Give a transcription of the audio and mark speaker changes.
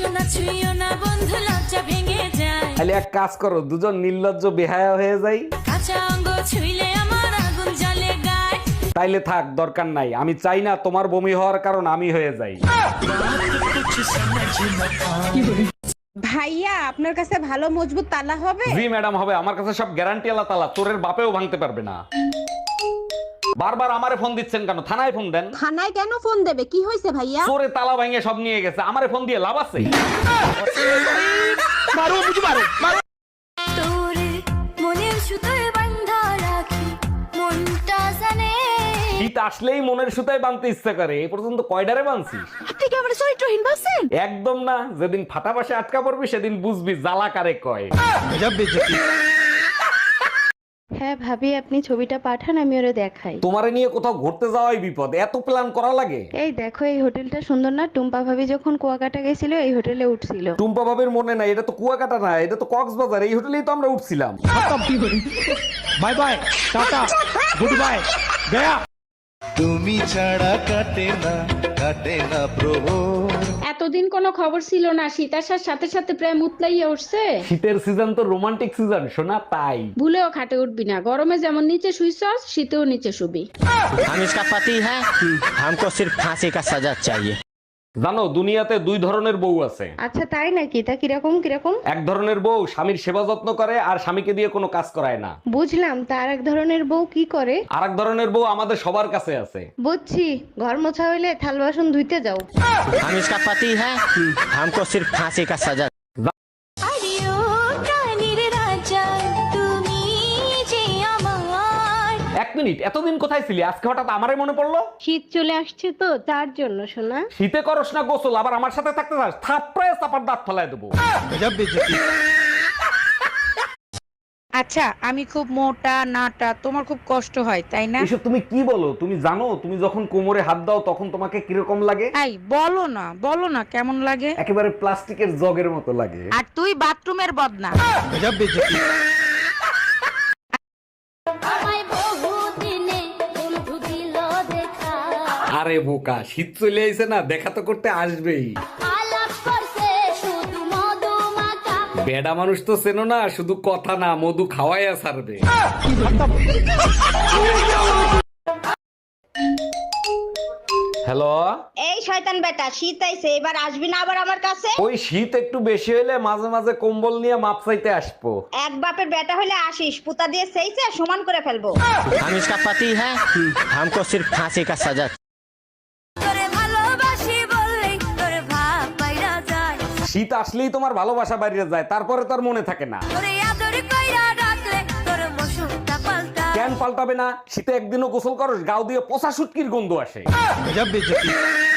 Speaker 1: না ছুঁইও না বন্ধু লজ্জা ভেঙে যায়।
Speaker 2: তাহলে এক কাজ করো, দুজন নির্লজ্জ বেহায়া হয়ে যাই।
Speaker 1: কাঁচা অঙ্গ ছুঁইলে আমার আগুন জ্বলে গায়।
Speaker 2: তাইলে থাক, দরকার নাই। আমি চাই না তোমার বমি হওয়ার কারণ আমি হয়ে যাই।
Speaker 3: ভাইয়া আপনার কাছে ভালো মজবুত তালা হবে?
Speaker 2: জি ম্যাডাম, হবে। আমার কাছে সব গ্যারান্টি আলা তালা, চোরের বাপেও ভাঙতে পারবে না। বারবার আমারে ফোন দিচ্ছেন কেন? থানায় ফোন দেন।
Speaker 3: থানায় কেন ফোন দেবে? কি হয়েছে ভাইয়া?
Speaker 2: চোরে তালা ভাঙে সব নিয়ে গেছে, আমারে ফোন দিয়ে লাভ আছে?
Speaker 1: তোরে মনের সুতোয় বাঁধা রাখি মনটা জানে।
Speaker 2: শীত আসলেই মনের সুতায় বাঁধতে ইচ্ছা করে। এই পর্যন্ত কয়ডারে বাঁধছিস?
Speaker 3: আপনি কি আমার চরিত্রহীন ভাবছেন?
Speaker 2: একদম না। যেদিন ফাটা পাশে আটকা পড়বি সেদিন বুঝবি জ্বালা কারে কয়।
Speaker 4: হ্যাঁ ভাবি, আপনি ছবিটা পাঠান, আমি ওরে দেখাই।
Speaker 2: তোমারে নিয়ে কোথাও ঘুরতে যাওয়াই বিপদ, এত প্ল্যান করা লাগে?
Speaker 4: এই দেখো, এই হোটেলটা সুন্দর না? টুম্পা ভাবি যখন কুয়াকাটা গেছিল এই হোটেলে উঠছিল।
Speaker 2: টুম্পা ভাবের মনে নাই? এটা তো কুয়াকাটা না, এটা তো কক্সবাজার। এই হোটেলেই তো আমরা উঠছিলাম।
Speaker 5: Bye bye, tata, good bye, গয়া।
Speaker 6: তুমি ছাড়া কাটে না প্রভু।
Speaker 7: এতদিন কোনো খবর ছিল না, শীত আসার সাথে সাথে প্রেম উতলাইয়া উঠছে।
Speaker 2: শীতের সিজন তো রোমান্টিক সিজন শোনা, তাই।
Speaker 7: ভুলেও খাটে উঠবি না। গরমে যেমন নিচে শুইছস, শীতেও নিচে শুবি।
Speaker 5: हम इसका पति है, हमको सिर्फ फांसी का सजा चाहिए।
Speaker 2: জানো, দুনিয়াতে দুই ধরনের বউ আছে।
Speaker 4: আচ্ছা তাই নাকি? তা কিরকম কিরকম?
Speaker 2: এক ধরনের বউ স্বামীর সেবা যত্ন করে আর স্বামীকে দিয়ে কোনো কাজ করায় না।
Speaker 4: বুঝলাম, তার এক ধরনের বউ কি করে?
Speaker 2: আর এক ধরনের বউ আমাদের সবার কাছে আছে।
Speaker 4: বুঝছি, ঘর মোছা হইলে থাল বাসন ধুইতে যাও।
Speaker 5: हम इसका पति है, हमको सिर्फ फांसी का सजा।
Speaker 1: আরিও প্রাণীর রাজা তুমি যে আমার।
Speaker 2: এক মিনিট, এতদিন কোথায় ছিলি? আজকে হঠাৎ আমারে মনে পড়লো?
Speaker 4: শীত চলে আসছে তো, তার জন্য শোনা।
Speaker 2: শীতে করস না গোসল, আবার আমার সাথে থাকতে চাস? থাপড়ে চাপার দাঁত ফেলায় দেবো।
Speaker 3: আচ্ছা, আমি খুব মোটা নাটা, তোমার খুব কষ্ট হয় তাই না?
Speaker 2: এসব তুমি কি বলো? তুমি জানো তুমি যখন কোমরে হাত দাও তখন তোমাকে কিরকম লাগে?
Speaker 3: এই বলো না কেমন লাগে?
Speaker 2: একেবারে প্লাস্টিকের জগের মতো লাগে।
Speaker 3: আর তুই বাথরুমের বদনা।
Speaker 1: আমায় বহু দিনে বন্ধু দিল দেখা।
Speaker 2: আরে বোকা, শীত চলে আইছে না, দেখা তো করতে আসবেই।
Speaker 1: আলাপ করছে শুধু মধুমাখা।
Speaker 2: বেডা মানুষ তো চেনো না, শুধু কথা না মধু খাওয়াইয়া ছাড়বে। হ্যালো।
Speaker 8: এই শয়তান বেটা, শীত আইছে, এবার আসবি না আবার আমার কাছে?
Speaker 2: ওই শীত একটু বেশি হলে মাঝে মাঝে কম্বল নিয়ে মাপ চাইতে আসবো।
Speaker 8: এক বাপের বেটা হলে আসিস, পুতা দিয়ে সেইছে সমান করে ফেলবো।
Speaker 5: हम इसका पति है, हमको सिर्फ फांसी का सजा।
Speaker 1: তোরে ভালোবাসি বললেই তোরে ভাব পাইরা যায়।
Speaker 2: শীত আসলেই তোমার ভালোবাসা বাইরে যায়, তারপরে তার মনে থাকে না।
Speaker 1: তোরে আদর কইরা ডাকলে তোর মৌসুমটা পাল্টায়।
Speaker 2: কেন পাল্টাবে না? শীতে একদিনও গোসল করস, গাও দিয়ে পচা শুটকির গন্ধ আসে।